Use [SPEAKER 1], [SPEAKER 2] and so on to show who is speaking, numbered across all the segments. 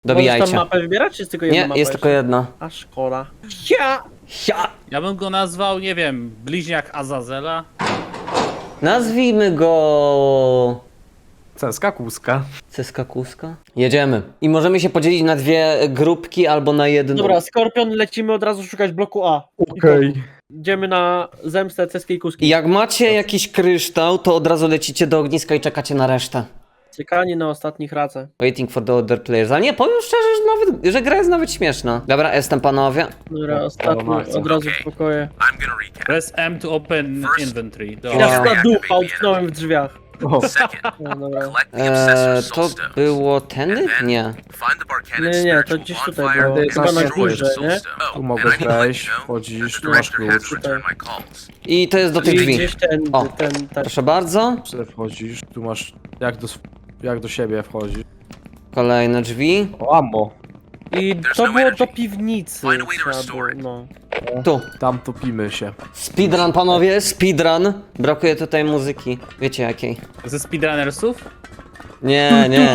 [SPEAKER 1] Dobijajcie.
[SPEAKER 2] Możesz tam mapę wybierać, czy jest tylko jedna
[SPEAKER 1] Nie,
[SPEAKER 2] mapa
[SPEAKER 1] jest tylko jedna.
[SPEAKER 2] A szkoda. Ja!
[SPEAKER 3] Ja bym go nazwał, nie wiem, bliźniak Azazela.
[SPEAKER 1] Nazwijmy go...
[SPEAKER 4] Ceska kłuska.
[SPEAKER 1] Ceska Kuska? Jedziemy. I możemy się podzielić na dwie grupki albo na jedną.
[SPEAKER 2] Dobra, Skorpion, lecimy od razu szukać bloku A.
[SPEAKER 4] Okej.
[SPEAKER 2] Idziemy na zemstę ceskiej
[SPEAKER 1] I
[SPEAKER 2] kuski.
[SPEAKER 1] jak macie jakiś kryształ, to od razu lecicie do ogniska i czekacie na resztę.
[SPEAKER 2] Czekanie na ostatnich racę.
[SPEAKER 1] Waiting for the other players. Ale nie, powiem szczerze, że gra jest nawet śmieszna. Dobra, jestem panowie.
[SPEAKER 2] Dobra, ostatni, od razu w pokoje.
[SPEAKER 5] I'm gonna recap.
[SPEAKER 3] Press M to open inventory.
[SPEAKER 1] Wow.
[SPEAKER 2] Jasna dupa, utknąłem w drzwiach.
[SPEAKER 4] O,
[SPEAKER 5] Second,
[SPEAKER 2] No dobra.
[SPEAKER 5] collect the Obsessor's
[SPEAKER 1] To
[SPEAKER 5] Soul Stone.
[SPEAKER 1] było tędy? Nie.
[SPEAKER 5] Find the Barcanic
[SPEAKER 2] Nie, to
[SPEAKER 5] spiritual
[SPEAKER 2] gdzieś tutaj
[SPEAKER 5] bonfire
[SPEAKER 2] było.
[SPEAKER 5] and
[SPEAKER 4] Chyba na
[SPEAKER 5] destroy the
[SPEAKER 2] górze,
[SPEAKER 5] Soul
[SPEAKER 2] nie?
[SPEAKER 5] Stone.
[SPEAKER 4] Tu
[SPEAKER 5] And
[SPEAKER 4] mogłeś
[SPEAKER 5] I can let
[SPEAKER 4] wejść,
[SPEAKER 5] you know
[SPEAKER 4] wchodzisz,
[SPEAKER 5] that the
[SPEAKER 4] tu masz
[SPEAKER 5] director has
[SPEAKER 4] klucz.
[SPEAKER 5] returned my calls.
[SPEAKER 1] I to jest do tych
[SPEAKER 2] I
[SPEAKER 1] drzwi.
[SPEAKER 2] gdzieś ten,
[SPEAKER 1] O.
[SPEAKER 2] ten.
[SPEAKER 1] Proszę bardzo.
[SPEAKER 4] Tutaj wchodzisz, tu masz jak do siebie wchodzisz.
[SPEAKER 1] Kolejne drzwi.
[SPEAKER 4] O, ammo.
[SPEAKER 2] I to było do piwnicy.
[SPEAKER 5] Find a way to
[SPEAKER 2] trzeba
[SPEAKER 5] restore
[SPEAKER 2] było, no.
[SPEAKER 1] Tu.
[SPEAKER 4] Tam topimy się.
[SPEAKER 1] Speedrun, panowie, speedrun. Brakuje tutaj muzyki. Wiecie jakiej?
[SPEAKER 3] Ze speedrunnersów?
[SPEAKER 1] Nie, nie.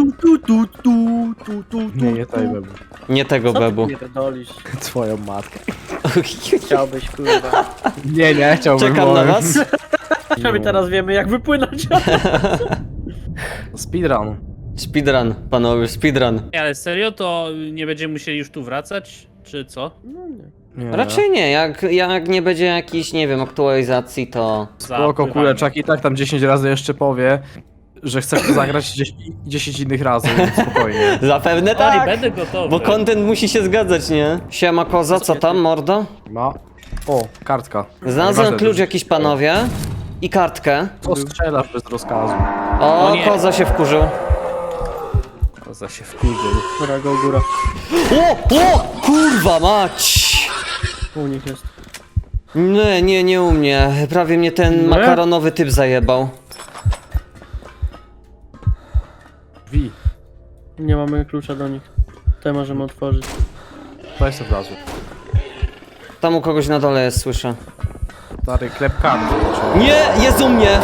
[SPEAKER 4] Nie tej webu.
[SPEAKER 1] Nie tego
[SPEAKER 2] Co
[SPEAKER 1] bebu.
[SPEAKER 2] ty pierdolisz?
[SPEAKER 4] Twoją matkę.
[SPEAKER 2] Chciałbyś, kurwa.
[SPEAKER 4] Nie, chciałbym.
[SPEAKER 1] Czekam na was.
[SPEAKER 2] My teraz wiemy, jak wypłynąć.
[SPEAKER 4] Speedrun.
[SPEAKER 1] Speedrun, panowie, speedrun.
[SPEAKER 3] Nie, ale serio, to nie będziemy musieli już tu wracać? Czy co?
[SPEAKER 2] No nie.
[SPEAKER 4] Nie.
[SPEAKER 1] Raczej nie, jak nie będzie jakiejś, nie wiem, aktualizacji, to...
[SPEAKER 4] Spoko, kuleczak i tak tam 10 razy jeszcze powie, że chce w to zagrać 10 innych razy, więc spokojnie.
[SPEAKER 1] Zapewne
[SPEAKER 3] Tak,
[SPEAKER 1] tak,
[SPEAKER 3] będę gotowy.
[SPEAKER 1] bo content musi się zgadzać, nie? Siema koza, co tam, mordo?
[SPEAKER 4] Ma. O, kartka.
[SPEAKER 1] Znalazłem
[SPEAKER 4] Nieważne,
[SPEAKER 1] klucz
[SPEAKER 4] to-
[SPEAKER 1] jakiś, panowie. I kartkę.
[SPEAKER 4] Co strzelasz bez rozkazu?
[SPEAKER 1] O,
[SPEAKER 3] O nie.
[SPEAKER 1] koza się wkurzył.
[SPEAKER 3] Koza się wkurzył.
[SPEAKER 2] Góra, go góra.
[SPEAKER 1] O, kurwa mać!
[SPEAKER 2] U nich jest.
[SPEAKER 1] Nie u mnie. Prawie mnie ten
[SPEAKER 2] Nie?
[SPEAKER 1] makaronowy typ zajebał.
[SPEAKER 4] Drzwi.
[SPEAKER 2] Nie mamy klucza do nich. Te możemy otworzyć.
[SPEAKER 4] To jest od razu.
[SPEAKER 1] Tam u kogoś na dole jest, słyszę.
[SPEAKER 4] Stary, klep karty.
[SPEAKER 1] Nie, jest u mnie!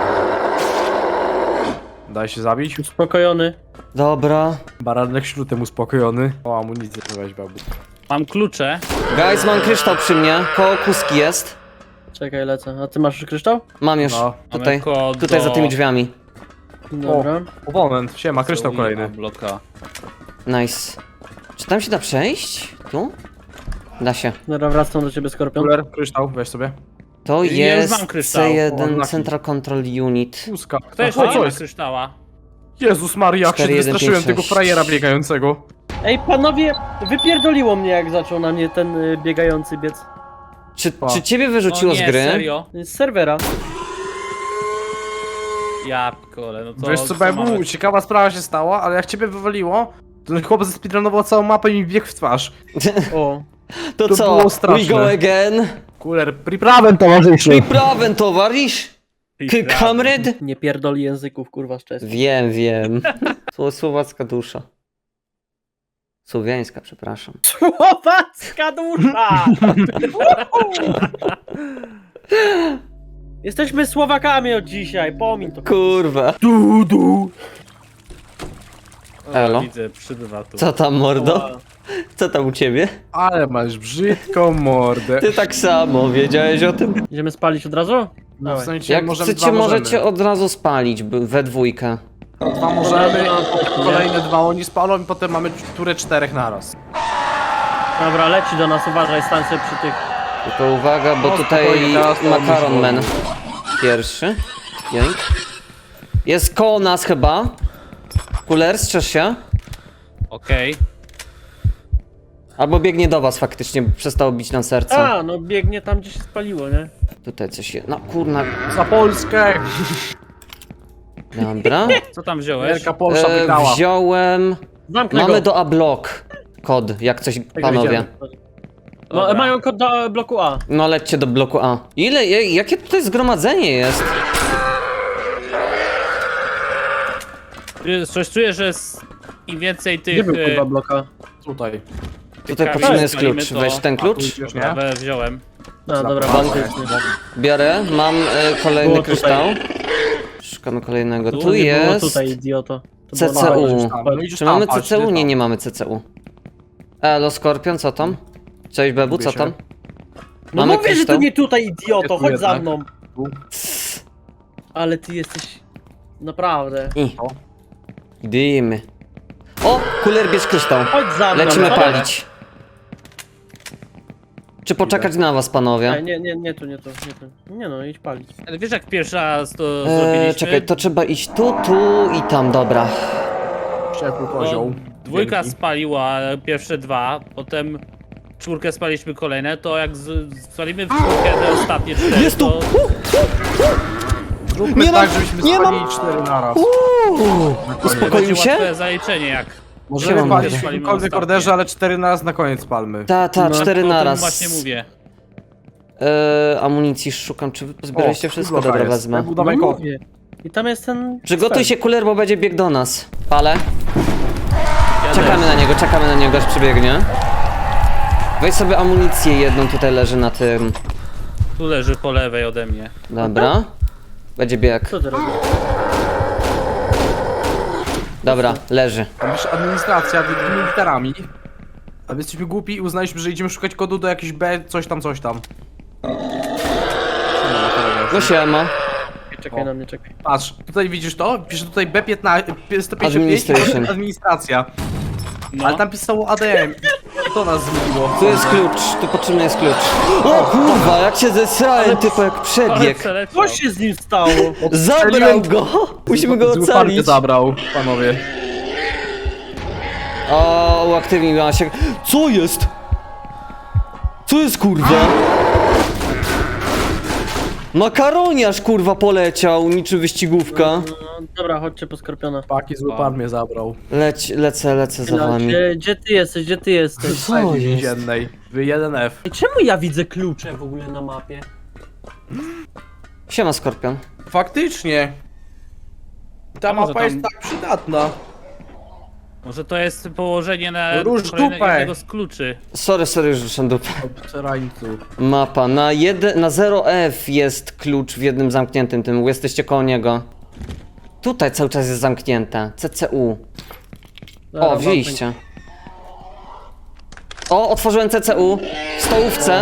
[SPEAKER 4] Daj się zabić.
[SPEAKER 2] Uspokojony.
[SPEAKER 1] Dobra.
[SPEAKER 4] Baranek śrutem uspokojony. O, amunicję weź, babu.
[SPEAKER 3] Mam klucze.
[SPEAKER 1] Guys, mam kryształ przy mnie. Koło kuski jest.
[SPEAKER 2] Czekaj, lecę. A ty masz już kryształ?
[SPEAKER 1] Mam już.
[SPEAKER 4] No.
[SPEAKER 1] Tutaj.
[SPEAKER 3] Mamy kod
[SPEAKER 1] Tutaj
[SPEAKER 3] do-
[SPEAKER 1] za tymi drzwiami.
[SPEAKER 2] Dobra.
[SPEAKER 4] Moment, siema, kryształ
[SPEAKER 3] Zoe
[SPEAKER 4] kolejny.
[SPEAKER 3] Bloka.
[SPEAKER 1] Nice. Czy tam się da przejść? Tu? Da się.
[SPEAKER 2] Dobra, wracam do ciebie, Skorpion.
[SPEAKER 4] Kuler, kryształ, weź sobie.
[SPEAKER 1] To
[SPEAKER 3] Ja już
[SPEAKER 1] jest
[SPEAKER 3] mam kryształ.
[SPEAKER 4] O,
[SPEAKER 1] C1
[SPEAKER 4] unlucky.
[SPEAKER 1] Central Control Unit.
[SPEAKER 4] Puska.
[SPEAKER 3] Kto jeszcze
[SPEAKER 4] O,
[SPEAKER 3] nie
[SPEAKER 4] co
[SPEAKER 3] ma
[SPEAKER 4] jest?
[SPEAKER 3] kryształa?
[SPEAKER 4] Jezus Maria, jak się
[SPEAKER 1] 4, 1,
[SPEAKER 4] wystraszyłem
[SPEAKER 1] 5,
[SPEAKER 4] tego
[SPEAKER 1] 6.
[SPEAKER 4] frajera biegającego.
[SPEAKER 2] Ej, panowie, wypierdoliło mnie, jak zaczął na mnie ten biegający biec.
[SPEAKER 1] Czy ciebie wyrzuciło
[SPEAKER 3] O nie,
[SPEAKER 1] z gry?
[SPEAKER 3] serio?
[SPEAKER 2] Z serwera.
[SPEAKER 3] Ja kole, no to...
[SPEAKER 4] Wiesz co,
[SPEAKER 3] co
[SPEAKER 4] Bebu,
[SPEAKER 3] mamy?
[SPEAKER 4] ciekawa sprawa się stała, ale jak ciebie wywaliło, to ten chłopak zespeedrunował całą mapę i mi biegł w twarz.
[SPEAKER 2] O.
[SPEAKER 1] To
[SPEAKER 4] To
[SPEAKER 1] co?
[SPEAKER 4] było
[SPEAKER 1] We
[SPEAKER 4] straszne.
[SPEAKER 1] go again.
[SPEAKER 4] Kuler, priprawem towarzyszu.
[SPEAKER 1] Prawem, towarzysz. Kamryd?
[SPEAKER 2] Nie pierdoli języków, kurwa, z czeskim.
[SPEAKER 1] Wiem. Słowacka dusza. Słowiańska, przepraszam.
[SPEAKER 2] Słowacka dusza! Jesteśmy Słowakami od dzisiaj, pomin to.
[SPEAKER 1] Kurwa. Elo?
[SPEAKER 3] Widzę, przybywa tu.
[SPEAKER 1] Co tam, mordo? Co tam u ciebie?
[SPEAKER 4] Ale masz brzydką mordę.
[SPEAKER 1] Ty tak samo, wiedziałeś o tym?
[SPEAKER 2] Idziemy spalić od razu?
[SPEAKER 4] No, w
[SPEAKER 2] Dawaj.
[SPEAKER 4] sensie
[SPEAKER 1] Jak
[SPEAKER 4] możemy,
[SPEAKER 1] chcecie,
[SPEAKER 4] dwa
[SPEAKER 1] możecie od razu spalić we dwójkę.
[SPEAKER 4] Dwa możemy, kolejne dwa oni spalą i potem mamy turę 4 naraz.
[SPEAKER 2] Dobra, leci do nas, uważaj, stań sobie przy tych.
[SPEAKER 1] Tylko uwaga, bo
[SPEAKER 4] O,
[SPEAKER 1] tutaj
[SPEAKER 4] spokojnie, teraz to
[SPEAKER 1] Makaron
[SPEAKER 4] już
[SPEAKER 1] Man pierwszy. Jęk. Jest koło nas chyba. Kuler, strzeż się.
[SPEAKER 3] Okej.
[SPEAKER 1] Albo biegnie do was faktycznie, bo przestało bić nam serce.
[SPEAKER 2] A, no biegnie tam, gdzie się spaliło, nie?
[SPEAKER 1] Tutaj coś jest. No kurna.
[SPEAKER 4] Za Polskę!
[SPEAKER 1] Dobra.
[SPEAKER 3] Co tam wziąłeś?
[SPEAKER 4] Wielka Polsza wygrała.
[SPEAKER 1] Wziąłem...
[SPEAKER 2] Zamknę
[SPEAKER 1] Mamy
[SPEAKER 2] go.
[SPEAKER 1] do A-block kod, jak coś,
[SPEAKER 2] Tego
[SPEAKER 1] panowie.
[SPEAKER 2] idziemy. No,
[SPEAKER 3] Dobra.
[SPEAKER 2] mają kod do bloku A.
[SPEAKER 1] No lećcie do bloku A. Jakie tutaj zgromadzenie jest?
[SPEAKER 3] Coś czuję, że im więcej
[SPEAKER 2] Gdzie
[SPEAKER 3] tych...
[SPEAKER 2] był kurwa bloka?
[SPEAKER 4] Tutaj.
[SPEAKER 1] Tutaj
[SPEAKER 3] kamieni
[SPEAKER 1] potrzebny jest
[SPEAKER 3] spalimy,
[SPEAKER 1] klucz.
[SPEAKER 3] to-
[SPEAKER 1] Weź ten klucz.
[SPEAKER 4] Już nie?
[SPEAKER 3] Wziąłem.
[SPEAKER 2] No dobra,
[SPEAKER 1] Pan-
[SPEAKER 2] fantastycznie.
[SPEAKER 1] Biorę, mam kolejny
[SPEAKER 2] Było tutaj.
[SPEAKER 1] kryształ. Szukamy kolejnego.
[SPEAKER 3] Tu
[SPEAKER 1] Tu
[SPEAKER 2] Nie było
[SPEAKER 1] jest...
[SPEAKER 2] tutaj, idioto. To było na-
[SPEAKER 1] CCU.
[SPEAKER 4] No idziesz
[SPEAKER 1] Czy
[SPEAKER 4] tam,
[SPEAKER 1] mamy
[SPEAKER 4] patrz,
[SPEAKER 1] CCU?
[SPEAKER 4] idziesz
[SPEAKER 1] Nie,
[SPEAKER 4] tam.
[SPEAKER 1] nie mamy CCU. Elo, Skorpion, co tam? Cześć, Bebu,
[SPEAKER 4] Lubię
[SPEAKER 1] co
[SPEAKER 4] się.
[SPEAKER 1] tam?
[SPEAKER 2] No
[SPEAKER 1] Mamy
[SPEAKER 2] mówię, że
[SPEAKER 1] kryształ?
[SPEAKER 2] to nie tutaj, idioto,
[SPEAKER 4] Tu
[SPEAKER 2] chodź za
[SPEAKER 4] jednak.
[SPEAKER 2] mną.
[SPEAKER 4] Tu.
[SPEAKER 2] Ale ty jesteś... Naprawdę.
[SPEAKER 1] I.
[SPEAKER 4] O.
[SPEAKER 1] Dymy. O, kuler, bierz kryształ.
[SPEAKER 2] Chodź za mną.
[SPEAKER 1] Lecimy
[SPEAKER 2] chodź.
[SPEAKER 1] palić. Czy poczekać na was, panowie?
[SPEAKER 2] Nie tu. Nie no, idź palić.
[SPEAKER 3] Ale wiesz jak pierwszy raz to zrobiliśmy?
[SPEAKER 1] Czekaj, to trzeba iść tu i tam, dobra.
[SPEAKER 4] Ciepły
[SPEAKER 3] Bo
[SPEAKER 4] kozioł.
[SPEAKER 3] dwójka
[SPEAKER 4] Wielki.
[SPEAKER 3] spaliła pierwsze dwa, potem czwórkę spaliśmy kolejne, to jak spalimy w czwórkę te ostatnie cztery,
[SPEAKER 1] Jest tu!
[SPEAKER 3] to...
[SPEAKER 4] Zróbmy
[SPEAKER 1] Nie
[SPEAKER 4] tak,
[SPEAKER 1] mam-
[SPEAKER 4] żebyśmy
[SPEAKER 1] nie
[SPEAKER 4] spalili
[SPEAKER 1] mam-
[SPEAKER 4] 4 naraz.
[SPEAKER 1] Uspokoił
[SPEAKER 3] będzie
[SPEAKER 1] się?
[SPEAKER 3] łatwe zaliczenie jak...
[SPEAKER 4] Możemy
[SPEAKER 1] Siema,
[SPEAKER 4] palić w
[SPEAKER 3] mówię.
[SPEAKER 4] jakimkolwiek
[SPEAKER 3] Ostatnie.
[SPEAKER 4] orderze, ale 4 naraz na koniec palmy.
[SPEAKER 1] Ta,
[SPEAKER 2] No,
[SPEAKER 1] 4
[SPEAKER 3] O tym
[SPEAKER 1] naraz.
[SPEAKER 3] właśnie mówię.
[SPEAKER 1] Amunicji szukam, czy wy pozbieraliście wszystko?
[SPEAKER 4] bloka
[SPEAKER 1] Dobra,
[SPEAKER 4] jest.
[SPEAKER 1] wezmę.
[SPEAKER 4] Bebu, dawaj
[SPEAKER 2] No
[SPEAKER 4] kod.
[SPEAKER 2] mówię. I tam jest ten...
[SPEAKER 1] Przygotuj się, kuler, bo będzie bieg do nas. Palę.
[SPEAKER 3] Ja
[SPEAKER 1] Czekamy na niego, aż przybiegnie. Weź sobie amunicję jedną, tutaj leży na tym.
[SPEAKER 3] Tu leży po lewej ode mnie.
[SPEAKER 1] Dobra. Będzie bieg.
[SPEAKER 2] Co ty robisz?
[SPEAKER 1] Dobra, leży.
[SPEAKER 4] Tam jest administracja wielkimi literami. A my jesteśmy głupi i uznaliśmy, że idziemy szukać kodu do jakiejś B, coś tam, coś tam.
[SPEAKER 1] No siema.
[SPEAKER 2] Czekaj na mnie, czekaj.
[SPEAKER 4] Patrz, tutaj widzisz to? Pisze tutaj B15, 155
[SPEAKER 1] Administration.
[SPEAKER 4] administracja.
[SPEAKER 3] No.
[SPEAKER 4] Ale tam pisało ADM i to nas zmyliło.
[SPEAKER 1] Tu jest klucz, tu potrzebny jest klucz. O kurwa, jak się zesrałem, typu jak
[SPEAKER 3] Ale
[SPEAKER 1] przebieg.
[SPEAKER 3] przeleciał.
[SPEAKER 2] Co się z nim stało?
[SPEAKER 1] Zabrał go! Musimy go
[SPEAKER 4] Zły parkę
[SPEAKER 1] ocalić.
[SPEAKER 4] zabrał, panowie.
[SPEAKER 1] O, uaktywniła się. Co jest? Co jest kurwa? Makaroniarz kurwa poleciał, niczym wyścigówka.
[SPEAKER 2] No, dobra, chodźcie po Skorpiona.
[SPEAKER 4] Paki zły pan mnie zabrał.
[SPEAKER 1] Lecę za
[SPEAKER 2] No,
[SPEAKER 1] wami.
[SPEAKER 2] gdzie ty jesteś, gdzie ty jesteś?
[SPEAKER 1] Co
[SPEAKER 4] W
[SPEAKER 1] jest?
[SPEAKER 4] więziennej. W 1F.
[SPEAKER 2] I czemu ja widzę klucze w ogóle na mapie?
[SPEAKER 1] Siema, Skorpion.
[SPEAKER 4] Faktycznie. Ta
[SPEAKER 3] A może
[SPEAKER 4] mapa jest
[SPEAKER 3] tam-
[SPEAKER 4] tak przydatna.
[SPEAKER 3] Może to jest położenie na
[SPEAKER 4] Róż
[SPEAKER 3] kolejne-
[SPEAKER 4] dupę.
[SPEAKER 3] jednego z kluczy.
[SPEAKER 1] Sorry, już ruszam dupę.
[SPEAKER 4] Obcerańcu.
[SPEAKER 1] Mapa. Na 0F jest klucz w jednym zamkniętym tym. Jesteście koło niego. Tutaj cały czas jest zamknięte. CCU.
[SPEAKER 2] Dobra,
[SPEAKER 1] O, wzięliście. O, otworzyłem CCU. W stołówce.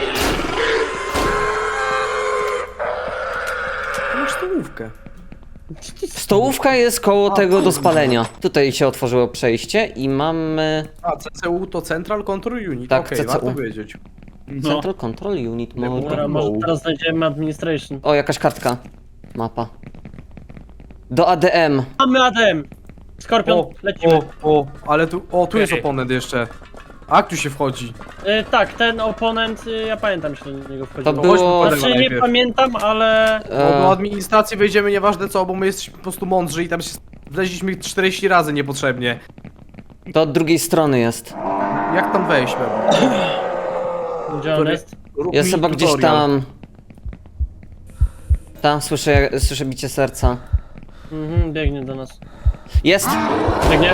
[SPEAKER 4] Masz stołówkę.
[SPEAKER 1] Stołówka jest koło tego do spalenia. Tutaj się otworzyło przejście i mamy
[SPEAKER 4] A, CCU to Central Control Unit.
[SPEAKER 1] Tak,
[SPEAKER 4] Okej,
[SPEAKER 1] CCU.
[SPEAKER 4] warto wiedzieć.
[SPEAKER 3] No.
[SPEAKER 1] Central Control Unit.
[SPEAKER 2] Dobra, może teraz znajdziemy administration.
[SPEAKER 1] O, jakaś kartka. Mapa. Do ADM.
[SPEAKER 2] Mamy ADM! Skorpion, lecimy.
[SPEAKER 4] Ale tu, tu jest
[SPEAKER 3] Okej.
[SPEAKER 4] oponent jeszcze. A, tu się wchodzi.
[SPEAKER 2] Tak, ten oponent, ja pamiętam, że do niego wchodził.
[SPEAKER 1] To
[SPEAKER 4] No
[SPEAKER 1] było...
[SPEAKER 4] chodźmy po
[SPEAKER 2] Znaczy nie
[SPEAKER 4] najpierw.
[SPEAKER 2] pamiętam, ale...
[SPEAKER 4] Bo do administracji wejdziemy nieważne co, bo my jesteśmy po prostu mądrzy i tam się wleźliśmy 40 razy niepotrzebnie.
[SPEAKER 1] To od drugiej strony jest.
[SPEAKER 4] Jak tam wejść, Bebu?
[SPEAKER 2] Gdzie on jest?
[SPEAKER 4] Rób
[SPEAKER 1] Jest
[SPEAKER 4] mi
[SPEAKER 1] chyba gdzieś
[SPEAKER 4] tutorial.
[SPEAKER 1] tam. Tam słyszę bicie serca.
[SPEAKER 2] Mhm, biegnie do nas.
[SPEAKER 1] Jest!
[SPEAKER 2] Biegnie?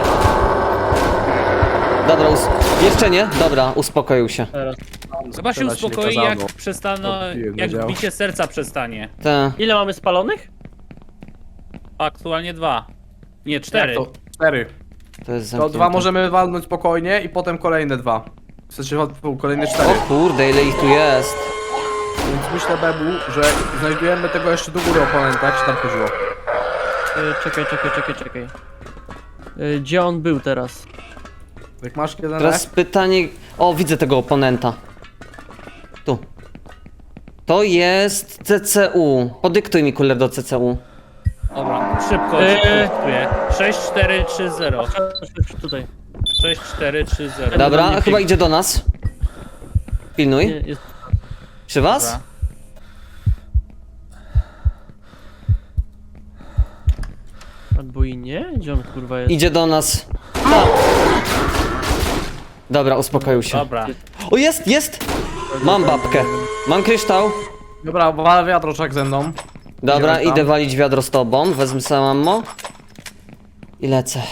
[SPEAKER 1] Dobra, jeszcze nie? Dobra, uspokoił się.
[SPEAKER 2] Teraz.
[SPEAKER 3] Chyba się
[SPEAKER 4] Strzelać nie
[SPEAKER 3] uspokoi
[SPEAKER 4] kazano.
[SPEAKER 3] jak przestaną,
[SPEAKER 4] Odbiłem,
[SPEAKER 3] jak
[SPEAKER 4] wiedział.
[SPEAKER 3] bicie serca przestanie.
[SPEAKER 1] Te.
[SPEAKER 2] Ile mamy spalonych?
[SPEAKER 3] Aktualnie 2. Nie, 4.
[SPEAKER 4] To 4.
[SPEAKER 1] To jest
[SPEAKER 4] To
[SPEAKER 1] zamknięte.
[SPEAKER 4] 2 możemy walnąć spokojnie i potem kolejne 2. W sensie kolejne 4.
[SPEAKER 1] O kurde, ile ich tu jest.
[SPEAKER 4] Więc myślę, Bebu, że znajdujemy tego jeszcze do góry oponenta, jak się tam chodziło.
[SPEAKER 2] Czekaj. Gdzie on był teraz?
[SPEAKER 4] Jak masz jeden
[SPEAKER 1] Teraz pytanie... O, widzę tego oponenta. Tu. To jest CCU. Podyktuj mi kuler do CCU.
[SPEAKER 3] Dobra, szybko dyktuję. 6, 4, 3, 0.
[SPEAKER 2] Tutaj.
[SPEAKER 3] 6, 4, 3, 0.
[SPEAKER 1] Dobra,
[SPEAKER 2] nie
[SPEAKER 1] chyba
[SPEAKER 2] pięknie.
[SPEAKER 1] idzie do nas.
[SPEAKER 2] Nie,
[SPEAKER 1] Pilnuj.
[SPEAKER 2] jest...
[SPEAKER 1] Przy was?
[SPEAKER 3] Dobra.
[SPEAKER 2] Albo i nie? Gdzie on kurwa jest?
[SPEAKER 1] Idzie do nas. Tak. Dobra, uspokoił się.
[SPEAKER 3] Dobra.
[SPEAKER 1] O, jest! Mam babkę. Mam kryształ.
[SPEAKER 4] Dobra, wal wiatroczak ze mną.
[SPEAKER 1] Dobra,
[SPEAKER 4] Idziemy tam.
[SPEAKER 1] idę walić wiadro z tobą. Wezmę sobie ammo. I lecę.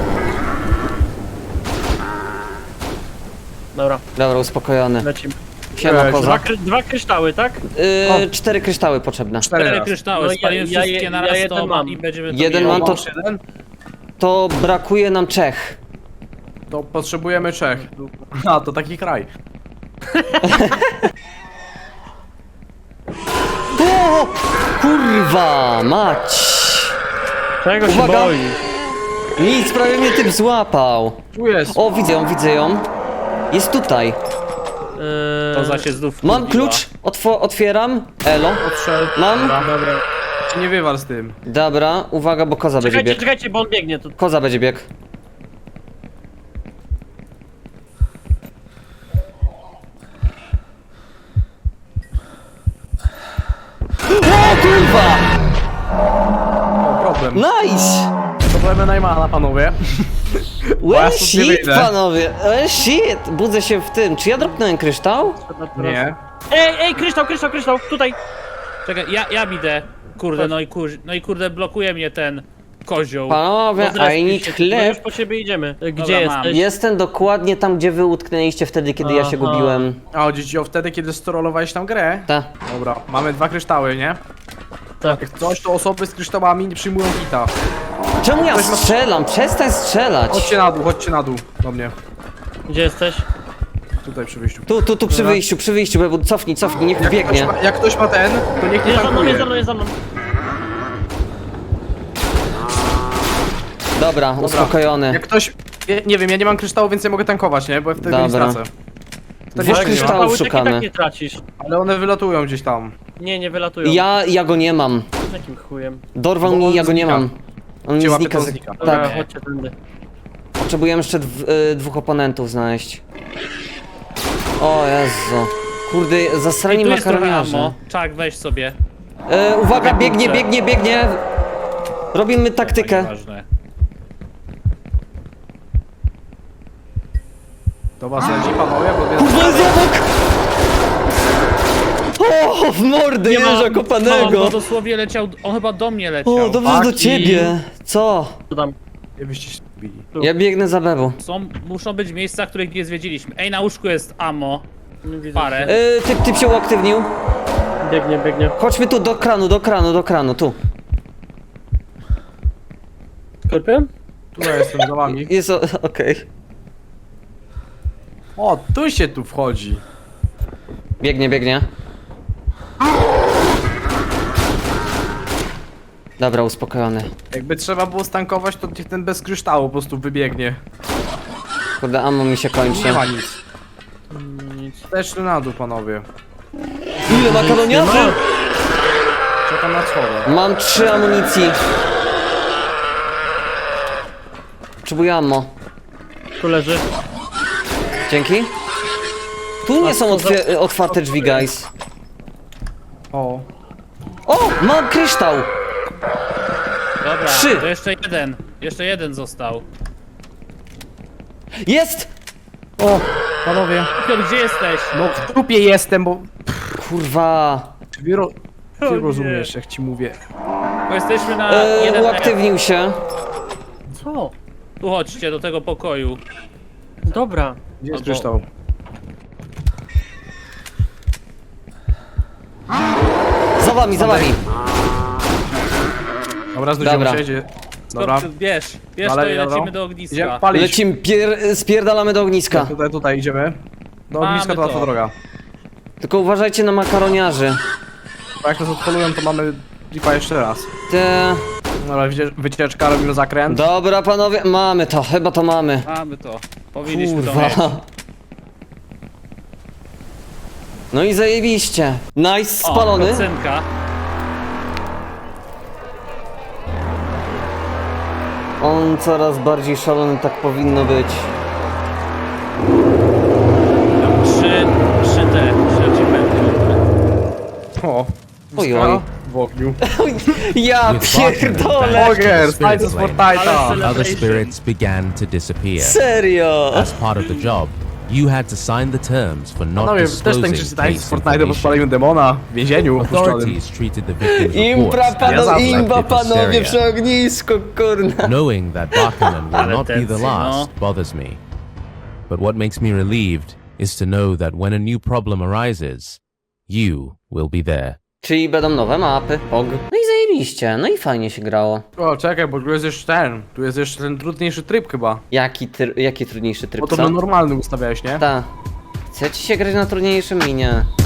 [SPEAKER 2] Dobra,
[SPEAKER 1] Dobra, uspokojony.
[SPEAKER 2] lecimy.
[SPEAKER 1] Siema, kozak.
[SPEAKER 2] Dwa kryształy, tak?
[SPEAKER 1] 4 kryształy potrzebne.
[SPEAKER 3] 4 kryształy,
[SPEAKER 2] No
[SPEAKER 3] spalimy wszystkie na raz,
[SPEAKER 2] jeden
[SPEAKER 3] to
[SPEAKER 2] mam.
[SPEAKER 3] i będziemy to
[SPEAKER 1] Jeden
[SPEAKER 3] mieli.
[SPEAKER 1] mam, to,
[SPEAKER 4] Masz jeden?
[SPEAKER 1] to brakuje nam 3.
[SPEAKER 4] To potrzebujemy 3. A, to taki kraj.
[SPEAKER 1] O, kurwa, mać.
[SPEAKER 2] Czego się
[SPEAKER 1] Uwaga.
[SPEAKER 2] boi?
[SPEAKER 1] Nic, prawie mnie typ złapał.
[SPEAKER 4] Tu jest.
[SPEAKER 1] O, widzę ją, widzę ją. Jest tutaj.
[SPEAKER 3] To za się znów
[SPEAKER 1] Mam
[SPEAKER 3] wkurwiła.
[SPEAKER 1] klucz, otwieram. Elo.
[SPEAKER 4] Odszedł.
[SPEAKER 1] Mam?
[SPEAKER 2] Dobra.
[SPEAKER 4] Się nie wywal z tym.
[SPEAKER 1] Dobra, uwaga, bo koza będzie
[SPEAKER 2] Czekajcie,
[SPEAKER 1] bieg.
[SPEAKER 2] czekajcie, bo on biegnie tu.
[SPEAKER 1] Koza będzie bieg. O kurwa!
[SPEAKER 4] O, problem.
[SPEAKER 1] Nice!
[SPEAKER 4] Problemy Najmana, panowie. ja
[SPEAKER 1] Well
[SPEAKER 4] stąd nie
[SPEAKER 1] shit,
[SPEAKER 4] wyjdę.
[SPEAKER 1] panowie! Well shit! Budzę się w tym. Czy ja dropnąłem kryształ?
[SPEAKER 4] Nie.
[SPEAKER 2] Ej, kryształ, tutaj.
[SPEAKER 3] Czekaj, ja idę. Kurde, no i kurde, blokuje mnie ten kozioł.
[SPEAKER 1] Panowie, I need
[SPEAKER 2] My
[SPEAKER 1] chleb.
[SPEAKER 2] już po ciebie idziemy. Gdzie
[SPEAKER 3] Dobra, mam.
[SPEAKER 2] jesteś?
[SPEAKER 1] Jestem dokładnie tam, gdzie wy utknęliście wtedy, kiedy ja się
[SPEAKER 2] Aha.
[SPEAKER 1] gubiłem.
[SPEAKER 4] A, chodzić o wtedy, kiedy sterolowałeś tam grę?
[SPEAKER 1] Ta.
[SPEAKER 4] Dobra, mamy 2 kryształy, nie?
[SPEAKER 2] Tak.
[SPEAKER 4] Jak coś, to osoby z kryształami nie przyjmują hita.
[SPEAKER 1] Czemu ja
[SPEAKER 4] Ktoś ma-
[SPEAKER 1] strzelam? Przestań strzelać!
[SPEAKER 4] Chodźcie na dół, do mnie.
[SPEAKER 2] Gdzie jesteś?
[SPEAKER 4] Tutaj przy wyjściu.
[SPEAKER 1] Tu przy wyjściu, Bebu, cofnij, niech biegnie.
[SPEAKER 4] Jak ktoś ma ten, to niech nie
[SPEAKER 2] Jest za mną,
[SPEAKER 4] tankuje.
[SPEAKER 2] jest za mną, jest za mną.
[SPEAKER 1] Dobra, uspokojony.
[SPEAKER 4] Jak ktoś... Nie wiem, ja nie mam kryształu, więc nie mogę tankować, nie? Bo ja wtedy nie
[SPEAKER 1] Dobra.
[SPEAKER 4] stracę. To
[SPEAKER 1] Dwóch
[SPEAKER 4] nie
[SPEAKER 1] kryształów
[SPEAKER 4] ma.
[SPEAKER 2] Kryształy tak i
[SPEAKER 1] szukamy.
[SPEAKER 2] tak nie tracisz.
[SPEAKER 4] Ale one wylatują gdzieś tam.
[SPEAKER 2] Nie wylatują.
[SPEAKER 1] Ja go nie mam.
[SPEAKER 2] Jakim chujem?
[SPEAKER 1] Dorwał
[SPEAKER 4] Bo
[SPEAKER 1] mnie,
[SPEAKER 4] on
[SPEAKER 1] ja go nie
[SPEAKER 4] znika.
[SPEAKER 1] mam. On
[SPEAKER 4] Gdzie
[SPEAKER 1] nie
[SPEAKER 4] łapie,
[SPEAKER 1] znika.
[SPEAKER 4] to znika.
[SPEAKER 2] Dobra,
[SPEAKER 1] Tak,
[SPEAKER 2] chodźcie tędy.
[SPEAKER 1] potrzebujemy jeszcze 2 oponentów znaleźć. O Jezu. Kurde,
[SPEAKER 3] I
[SPEAKER 1] zasrani
[SPEAKER 3] tu jest trochę
[SPEAKER 1] makaroniarze.
[SPEAKER 3] ammo. Czak, weź sobie.
[SPEAKER 1] Uwaga,
[SPEAKER 3] Kurczę.
[SPEAKER 1] biegnie. Robimy taktykę.
[SPEAKER 3] Ważne.
[SPEAKER 4] Do was leci, panowie, bo
[SPEAKER 1] Kurwa, jest obok! O, w mordę jeża
[SPEAKER 3] No,
[SPEAKER 1] kopanego!
[SPEAKER 3] bo dosłownie leciał, on chyba do mnie leciał.
[SPEAKER 1] O, dobrze, że do
[SPEAKER 4] Paki.
[SPEAKER 1] ciebie. Co?
[SPEAKER 2] Co tam?
[SPEAKER 4] Nie byście się zbili.
[SPEAKER 1] Ja biegnę za Bebu.
[SPEAKER 3] Muszą być miejsca, których nie zwiedziliśmy. Ej, na łóżku jest ammo.
[SPEAKER 2] Nie widzę.
[SPEAKER 3] Parę.
[SPEAKER 1] Typ się uaktywnił.
[SPEAKER 2] Biegnie.
[SPEAKER 1] Chodźmy tu, do kranu, tu.
[SPEAKER 2] Skorpion?
[SPEAKER 4] Tu ja jestem za wami.
[SPEAKER 1] Jest okej.
[SPEAKER 4] O, tu się tu wchodzi.
[SPEAKER 1] Biegnie. Dobra, uspokojony.
[SPEAKER 4] Jakby trzeba było stankować, to niech ten bez kryształu po prostu wybiegnie.
[SPEAKER 1] Kurde, ammo mi się kończy.
[SPEAKER 4] Nie ma nic.
[SPEAKER 2] Nic.
[SPEAKER 4] Też na dół, panowie.
[SPEAKER 1] Ile makaroniarzy?
[SPEAKER 4] Czekam na schodę.
[SPEAKER 1] Mam 3 amunicji. Potrzebuję ammo.
[SPEAKER 2] Tu leży.
[SPEAKER 1] Dzięki. Tu nie są otwarte drzwi, guys.
[SPEAKER 4] O.
[SPEAKER 1] O, mam kryształ.
[SPEAKER 3] Dobra,
[SPEAKER 1] 3.
[SPEAKER 3] to jeszcze jeden został.
[SPEAKER 1] Jest!
[SPEAKER 4] O, panowie.
[SPEAKER 3] Piotr, gdzie jesteś?
[SPEAKER 4] No w trupie jestem, bo...
[SPEAKER 1] Kurwa.
[SPEAKER 4] Ty rozumiesz, jak ci mówię.
[SPEAKER 3] Bo jesteśmy na jeden.
[SPEAKER 1] Uaktywnił się.
[SPEAKER 2] Co?
[SPEAKER 3] Tu chodźcie do tego pokoju.
[SPEAKER 2] Dobra.
[SPEAKER 4] Gdzie jest
[SPEAKER 3] Albo-
[SPEAKER 4] kryształ?
[SPEAKER 1] Za wami.
[SPEAKER 4] Dobra, znudziłem
[SPEAKER 1] Dobra.
[SPEAKER 4] się, gdzie... Dobra.
[SPEAKER 3] Skorpion, bierz
[SPEAKER 4] Dalej,
[SPEAKER 3] to i
[SPEAKER 4] dobra.
[SPEAKER 3] lecimy do ogniska.
[SPEAKER 4] Idziemy palić.
[SPEAKER 1] Lecimy, spierdalamy do ogniska.
[SPEAKER 4] Tutaj idziemy. Do
[SPEAKER 3] Mamy
[SPEAKER 4] ogniska to łatwa
[SPEAKER 3] to.
[SPEAKER 4] droga.
[SPEAKER 1] Tylko uważajcie na makaroniarzy.
[SPEAKER 4] Bo jak nas odpolują, to mamy lipa jeszcze raz.
[SPEAKER 1] Te...
[SPEAKER 4] Dobra, wycieczka, robimy zakręt.
[SPEAKER 1] Dobra, panowie, mamy to, chyba to mamy.
[SPEAKER 3] Mamy to. Powinniśmy to mieć.
[SPEAKER 1] Kurwa. No i zajebiście. Nice, spalony.
[SPEAKER 3] O, procynka.
[SPEAKER 1] On coraz bardziej szalony, tak powinno być.
[SPEAKER 3] Trzy achievements.
[SPEAKER 4] O.
[SPEAKER 1] Oj, oj.
[SPEAKER 4] W ogniu.
[SPEAKER 1] Ja pierdolę!
[SPEAKER 4] Ogier, tańce z Fortnite'a.
[SPEAKER 6] Other spirits began to disappear.
[SPEAKER 1] Serio!
[SPEAKER 6] As part of the job, you had to sign the terms for not
[SPEAKER 4] Panowie, też
[SPEAKER 6] disclosing
[SPEAKER 4] tańczycie tańce z
[SPEAKER 6] case
[SPEAKER 4] Fortnite'a, bo
[SPEAKER 6] information.
[SPEAKER 4] spaliśmy demona w więzieniu opuszczonym.
[SPEAKER 6] Authorities treated the victims'
[SPEAKER 1] Impra,
[SPEAKER 6] reports as
[SPEAKER 4] zawsze.
[SPEAKER 1] imba,
[SPEAKER 6] collected
[SPEAKER 1] panowie,
[SPEAKER 6] hysteria.
[SPEAKER 1] przy ognisku, kurna.
[SPEAKER 6] Knowing that Barkerman will
[SPEAKER 3] Ale
[SPEAKER 6] not be the
[SPEAKER 3] tensyjno.
[SPEAKER 6] last bothers me. But what makes me relieved is to know that when a new problem arises, you will be there.
[SPEAKER 1] Czyli będą nowe mapy, POG. No i zajebiście, no i fajnie się grało.
[SPEAKER 4] O, czekaj, bo tu jest jeszcze ten trudniejszy tryb chyba.
[SPEAKER 1] Jaki trudniejszy tryb,
[SPEAKER 4] Bo to
[SPEAKER 1] co?
[SPEAKER 4] na normalny ustawiałeś, nie?
[SPEAKER 1] Ta. Chce ci się grać na trudniejszym minie.